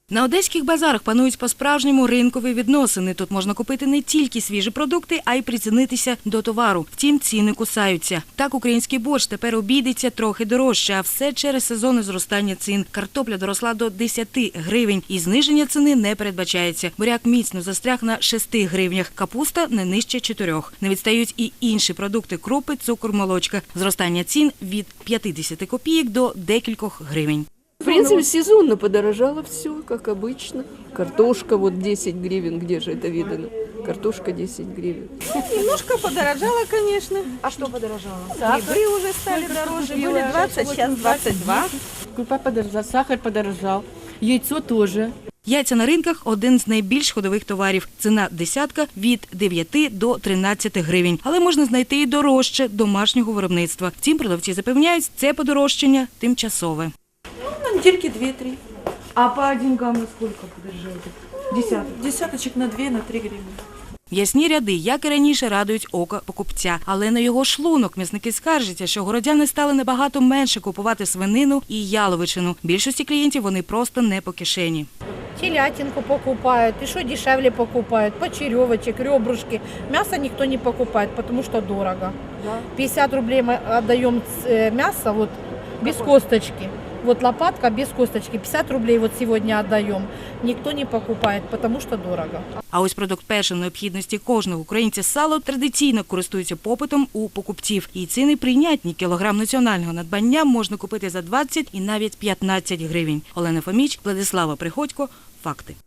На одеських базарах панують по-справжньому ринкові відносини. Тут можна купити не тільки свіжі продукти, а й прицінитися до товару. Втім, ціни кусаються. Так, український борщ тепер обійдеться трохи дорожче, а все через сезонне зростання цін. Картопля доросла до 10 гривень і зниження ціни не передбачається. Буряк міцно застряг на 6 гривнях, капуста не нижче 4. Не відстають і інші продукти – крупи, цукор, молочка. Зростання цін від 50 копійок до декількох гривень. В принципе, сезонно подорожало все, как обычно. Картошка вот 10 гривен, где же это видано? Картошка 10 гривен. Немножко подорожало, конечно. А що подорожало? Грибы уже стали дороже, были 20, сейчас 22. Крупа подорожала, сахар подорожал, яйцо тоже. Яйця на ринках – один з найбільш ходових товарів. Ціна десятка – від 9 до 13 гривень. Але можна знайти і дорожче домашнього виробництва. Втім, продавці запевняють, це подорожчання тимчасове. Недельки 2-3. А по деньгам на скільки подорожаєте? Десяток. Десяточек на 2, на 3 гривны. М'ясні ряди, як і раніше, радують око покупця. Але на його шлунок м'ясники скаржаться, що городяни стали набагато менше купувати свинину і яловичину. Більшості клієнтів вони просто не по кишені. Телятинку покупают, и что дешевле покупают, почеревочек, ребрышки. Мясо никто не покупает, потому что дорого. 50 рублей мы отдаем мясо вот, без косточки. Вот лопатка без косточки, 50 рублей вот сегодня отдаем. Никто не покупает, потому что дорого. А ось продукт першої необхідності кожного українця – сало традиційно користується попитом у покупців. І ціни прийнятні. Кілограм національного надбання можна купити за 20 і навіть 15 гривень. Олена Фоміч, Владислава Приходько. Факти.